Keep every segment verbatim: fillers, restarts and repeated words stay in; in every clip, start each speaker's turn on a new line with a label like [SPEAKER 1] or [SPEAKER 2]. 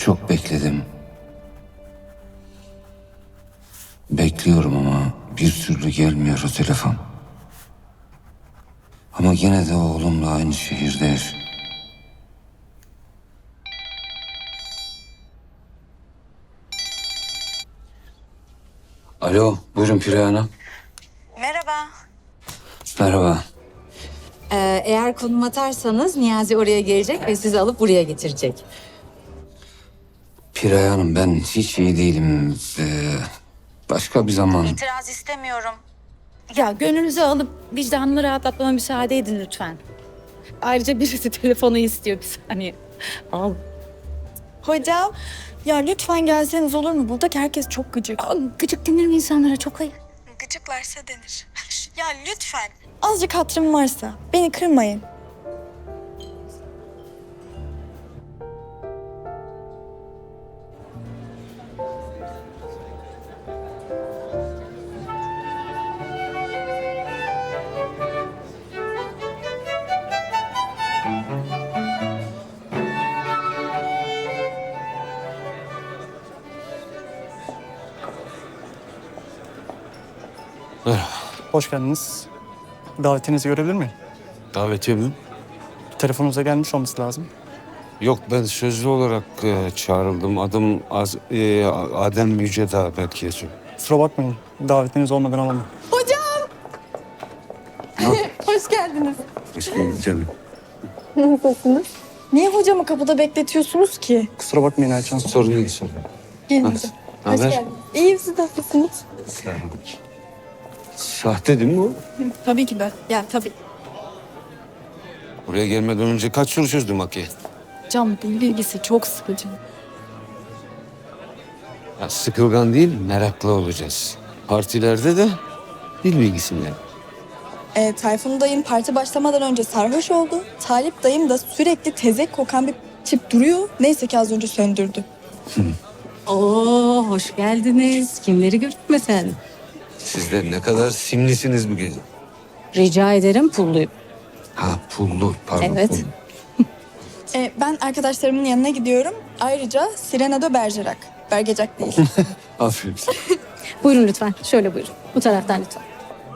[SPEAKER 1] Çok bekledim. Bekliyorum ama bir türlü gelmiyor o telefon. Ama gene de oğlumla aynı şehirde yaşıyor. Alo, buyurun Pire Hanım.
[SPEAKER 2] Merhaba.
[SPEAKER 1] Merhaba.
[SPEAKER 2] Ee, eğer konum atarsanız Niyazi oraya gelecek ve sizi alıp buraya getirecek.
[SPEAKER 1] Pire Hanım, ben hiç iyi değilim. Ee, başka bir zaman.
[SPEAKER 2] İtiraz istemiyorum.
[SPEAKER 3] Ya gönlünüzü alıp vicdanını rahatlatmama müsaade edin lütfen. Ayrıca birisi telefonu istiyor bir saniye. Al.
[SPEAKER 4] Hocam, ya lütfen gelseniz olur mu? Buradaki herkes çok gıcık.
[SPEAKER 3] Al, gıcık denir mi insanlara? Çok ayıp.
[SPEAKER 4] Gıcıklarsa denir. Ya lütfen. Azıcık hatırım varsa beni kırmayın.
[SPEAKER 5] Hoş geldiniz. Davetinizi görebilir miyim?
[SPEAKER 6] Davetiye mi?
[SPEAKER 5] Telefonunuza gelmiş olması lazım.
[SPEAKER 6] Yok, ben sözlü olarak e, çağrıldım. Adım Az, e, Adem Yücedağ belki yazıyor.
[SPEAKER 5] Kusura bakmayın. Davetiniz olmadan alamam.
[SPEAKER 4] Hoş geldiniz.
[SPEAKER 6] Hoş geldin canım.
[SPEAKER 4] Niye hocamı kapıda bekletiyorsunuz ki?
[SPEAKER 5] Kusura bakmayın Ayça Hanım.
[SPEAKER 6] Sorun değil, sorun.
[SPEAKER 4] Gelin
[SPEAKER 6] Nasıl?
[SPEAKER 4] hocam. Hoş
[SPEAKER 6] Haber?
[SPEAKER 4] geldiniz. İyiyim, siz nasılsınız?
[SPEAKER 6] Sahte değil mi bu?
[SPEAKER 4] Tabii ki de. Ya tabii.
[SPEAKER 6] Buraya gelmeden önce kaç soru çözdüm Hakkı?
[SPEAKER 4] Cam dil bilgisi çok sıkıcı.
[SPEAKER 6] Ya, sıkılgan değil, meraklı olacağız. Partilerde de dil bilgisinden.
[SPEAKER 4] E, Tayfun dayım parti başlamadan önce sarhoş oldu. Talip dayım da sürekli tezek kokan bir tip duruyor. Neyse ki az önce söndürdü.
[SPEAKER 2] Oo, hoş geldiniz. Kimleri gördük mesela?
[SPEAKER 6] Siz de ne kadar simlisiniz bu gece.
[SPEAKER 2] Rica ederim, pulluyum.
[SPEAKER 6] Ha, pullu, pardon.
[SPEAKER 2] Evet.
[SPEAKER 6] pullu.
[SPEAKER 4] E, ben arkadaşlarımın yanına gidiyorum. Ayrıca Sirena de Bergerac. Bergerac değil.
[SPEAKER 6] Aferin.
[SPEAKER 3] Buyurun lütfen. Şöyle buyurun. Bu taraftan lütfen.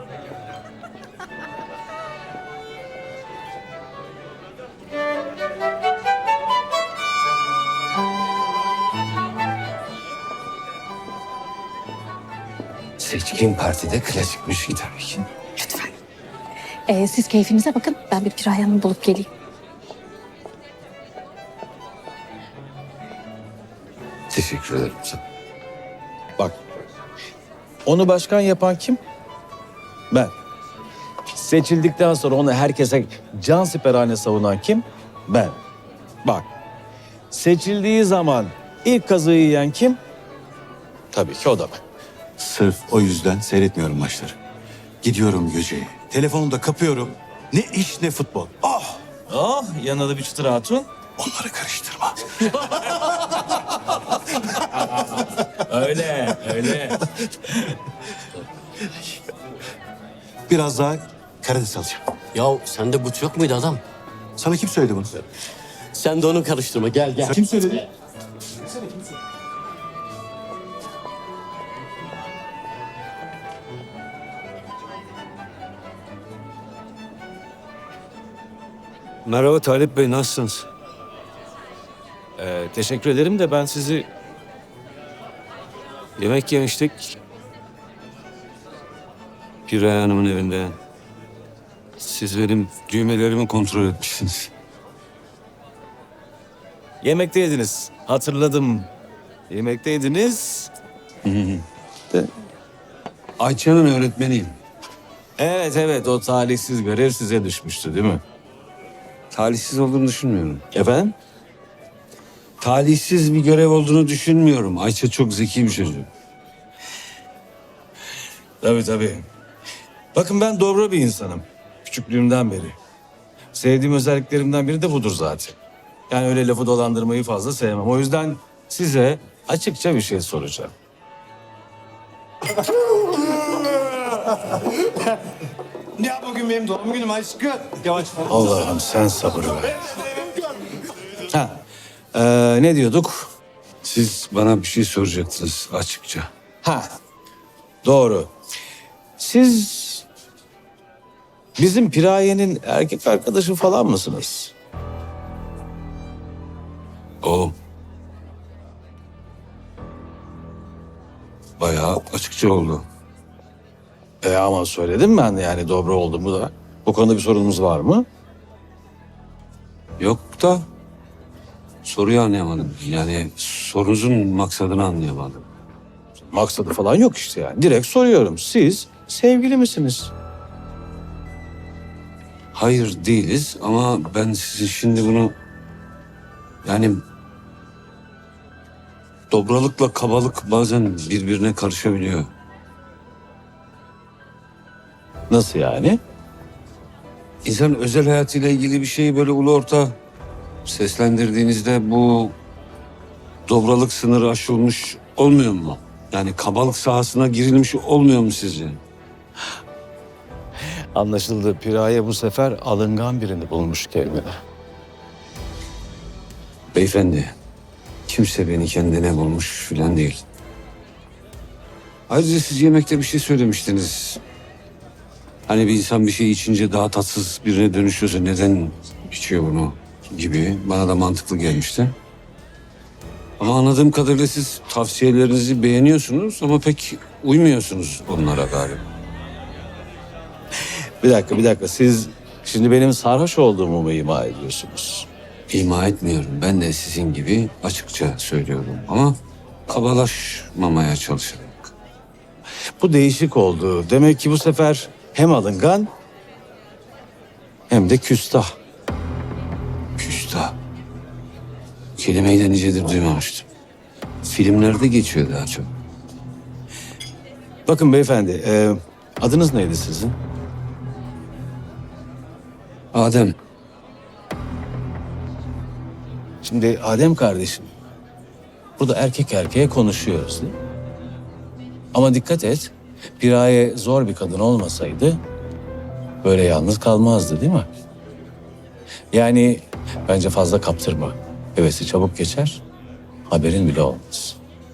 [SPEAKER 1] Seçkin partide klasik müzik tabii ki.
[SPEAKER 3] Lütfen. Ee, siz keyfinize bakın. Ben bir Piray Hanım'ı bulup geleyim.
[SPEAKER 1] Teşekkür ederim.
[SPEAKER 7] Bak, onu başkan yapan kim? Ben. Seçildikten sonra onu herkese can siperhane savunan kim? Ben. Bak, seçildiği zaman ilk kazığı yiyen kim? Tabii ki o da ben.
[SPEAKER 8] Sırf o yüzden seyretmiyorum maçları. Gidiyorum Göce'ye. Telefonu da kapıyorum. Ne iş ne futbol. Ah!
[SPEAKER 7] Oh, yanında da bir çıtır hatun.
[SPEAKER 8] Onları karıştırma.
[SPEAKER 7] Öyle, öyle.
[SPEAKER 8] Biraz daha karides alacağım.
[SPEAKER 9] Ya sende but yok muydu adam?
[SPEAKER 8] Sana kim söyledi bunu?
[SPEAKER 9] Sen de onu karıştırma. Gel gel.
[SPEAKER 8] Kim söyledi?
[SPEAKER 6] Merhaba Talip Bey, nasılsınız?
[SPEAKER 7] Ee, teşekkür ederim de ben sizi...
[SPEAKER 6] Yemek yemiştik. Pire Hanım'ın evinde. Siz benim düğmelerimi kontrol etmişsiniz.
[SPEAKER 7] Yemekteydiniz. Hatırladım. Yemekteydiniz.
[SPEAKER 6] Ayça'nın öğretmeniyim.
[SPEAKER 7] Evet, evet. O talihsiz görev size düşmüştü değil mi?
[SPEAKER 6] Talihsiz olduğunu düşünmüyorum.
[SPEAKER 7] Efendim?
[SPEAKER 6] Talihsiz bir görev olduğunu düşünmüyorum. Ayça çok zeki bir çocuk.
[SPEAKER 7] Tabii tabii. Bakın ben dobra bir insanım. Küçüklüğümden beri. Sevdiğim özelliklerimden biri de budur zaten. Yani öyle lafı dolandırmayı fazla sevmem. O yüzden size açıkça bir şey soracağım.
[SPEAKER 8] Ya bugün benim doğum günüm aşkım. Yavaş.
[SPEAKER 7] Allah'ım sen sabır ver. Ha, ee, ne diyorduk?
[SPEAKER 6] Siz bana bir şey soracaktınız açıkça.
[SPEAKER 7] Ha, doğru. Siz bizim Piraye'nin erkek arkadaşı falan mısınız?
[SPEAKER 6] O bayağı açıkça oldu.
[SPEAKER 7] E ama söyledim ben yani dobra olduğumu da. Bu konuda bir sorunumuz var mı?
[SPEAKER 6] Yok da soruyu anlayamadım. Yani sorunuzun maksadını anlayamadım.
[SPEAKER 7] Maksadı falan yok işte yani. Direkt soruyorum. Siz sevgili misiniz?
[SPEAKER 6] Hayır değiliz ama ben sizin şimdi bunu yani dobralıkla kabalık bazen birbirine karışabiliyor.
[SPEAKER 7] Nasıl yani?
[SPEAKER 6] İnsan özel hayatıyla ilgili bir şeyi böyle ulu orta seslendirdiğinizde bu dobralık sınırı aşılmış olmuyor mu? Yani kabalık sahasına girilmiş olmuyor mu sizce?
[SPEAKER 7] Anlaşıldı. Piraye bu sefer alıngan birini bulmuş kendine.
[SPEAKER 6] Beyefendi, kimse beni kendine bulmuş filan değil. Ayrıca siz yemekte bir şey söylemiştiniz. Hani bir insan bir şey içince daha tatsız birine dönüşüyorsa neden içiyor bunu gibi bana da mantıklı gelmişti. Ama anladığım kadarıyla siz tavsiyelerinizi beğeniyorsunuz ama pek uymuyorsunuz onlara galiba.
[SPEAKER 7] Bir dakika, bir dakika. Siz şimdi benim sarhoş olduğumu mu ima ediyorsunuz?
[SPEAKER 6] İma etmiyorum. Ben de sizin gibi açıkça söylüyorum ama kabalaşmamaya çalışarak.
[SPEAKER 7] Bu değişik oldu. Demek ki bu sefer hem alıngan hem de küstah.
[SPEAKER 6] Küstah. Kelimeyi de nicedir duymamıştım. Filmlerde geçiyor daha çok.
[SPEAKER 7] Bakın beyefendi, e, adınız neydi sizin?
[SPEAKER 6] Adem,
[SPEAKER 7] Şimdi Adem kardeşim, burada erkek erkeğe konuşuyoruz değil mi? Ama dikkat et, Piraye zor bir kadın olmasaydı böyle yalnız kalmazdı değil mi? Yani bence fazla kaptırma. Hevesi çabuk geçer, haberin bile olmaz.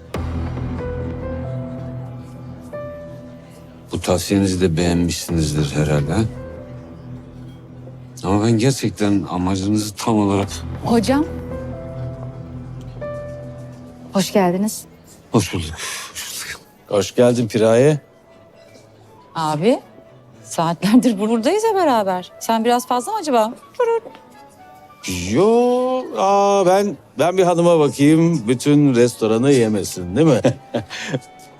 [SPEAKER 6] bu tavsiyenizi de beğenmişsinizdir herhalde. Ama ben gerçekten amacınızı tam olarak...
[SPEAKER 3] Hocam. Hoş geldiniz.
[SPEAKER 6] Hoş bulduk. Hoş bulduk.
[SPEAKER 7] Hoş geldin Piraye.
[SPEAKER 3] Abi. Saatlerdir buradayız ya beraber. Sen biraz fazla mı acaba?
[SPEAKER 7] Yo, aa ben ben bir hanıma bakayım, bütün restoranı yemesin değil mi?